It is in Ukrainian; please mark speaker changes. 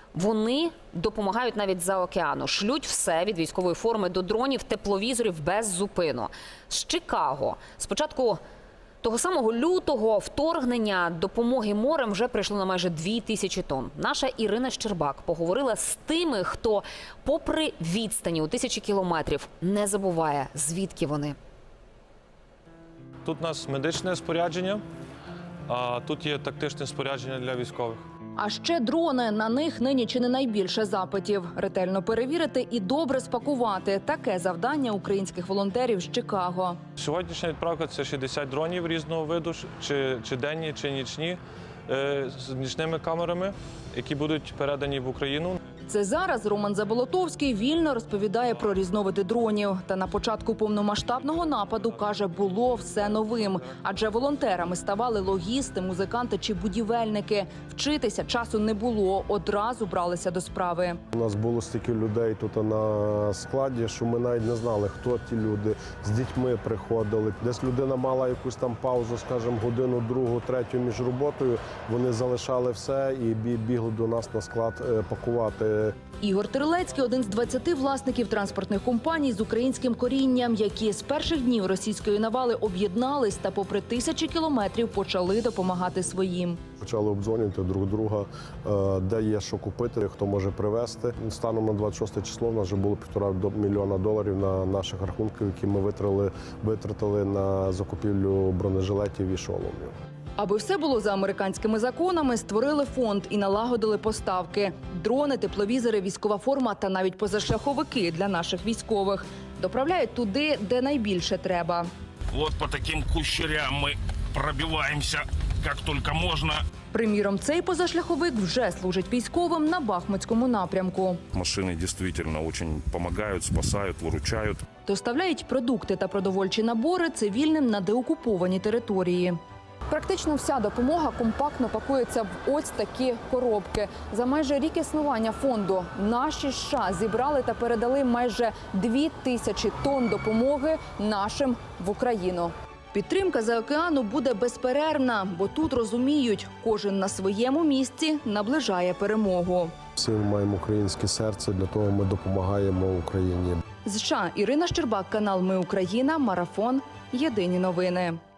Speaker 1: Вони допомагають навіть за океану. Шлють все від військової форми до дронів, тепловізорів без зупину. З Чикаго спочатку того самого лютого вторгнення допомоги морем вже прийшло на майже 2000 тонн. Наша Ірина Щербак поговорила з тими, хто попри відстані у тисячі кілометрів не забуває, звідки вони.
Speaker 2: Тут у нас медичне спорядження, а тут є тактичне спорядження для військових.
Speaker 3: А ще дрони. На них нині чи не найбільше запитів. Ретельно перевірити і добре спакувати. Таке завдання українських волонтерів з Чикаго.
Speaker 2: Сьогоднішня відправка – це 60 дронів різного виду, чи денні, чи нічні, з нічними камерами, які будуть передані в Україну.
Speaker 3: Це зараз Роман Заболотовський вільно розповідає про різновиди дронів. Та на початку повномасштабного нападу, каже, було все новим. Адже волонтерами ставали логісти, музиканти чи будівельники. Вчитися часу не було, одразу бралися до справи.
Speaker 4: У нас було стільки людей тут на складі, що ми навіть не знали, хто ті люди. З дітьми приходили. Десь людина мала якусь там паузу, скажімо, годину, другу, третю між роботою. Вони залишали все і бігли до нас на склад пакувати.
Speaker 3: Ігор Терлецький – один з 20 власників транспортних компаній з українським корінням, які з перших днів російської навали об'єднались та попри тисячі кілометрів почали допомагати своїм.
Speaker 4: Почали обдзвонювати друг друга, де є що купити, хто може привезти. Станом на 26 число в нас вже було $1,5 мільйона на наших рахунках, які ми витратили на закупівлю бронежилетів і шоломів.
Speaker 3: Аби все було за американськими законами, створили фонд і налагодили поставки. Дрони, тепловізори, військова форма та навіть позашляховики для наших військових. Доправляють туди, де найбільше треба.
Speaker 5: Вот по таким кущерям ми пробиваємося, як тільки можна.
Speaker 3: Приміром, цей позашляховик вже служить військовим на Бахмутському напрямку.
Speaker 5: Машини дійсно дуже допомагають, спасають, виручають.
Speaker 3: Доставляють продукти та продовольчі набори цивільним на деокуповані території. Практично вся допомога компактно пакується в ось такі коробки. За майже рік існування фонду наші США зібрали та передали майже 2000 тонн допомоги нашим в Україну. Підтримка за океану буде безперервна, бо тут розуміють, кожен на своєму місці наближає перемогу.
Speaker 4: Всі ми маємо українське серце, для того ми допомагаємо Україні.
Speaker 3: З США Ірина Щербак, канал «Ми Україна», марафон, єдині новини.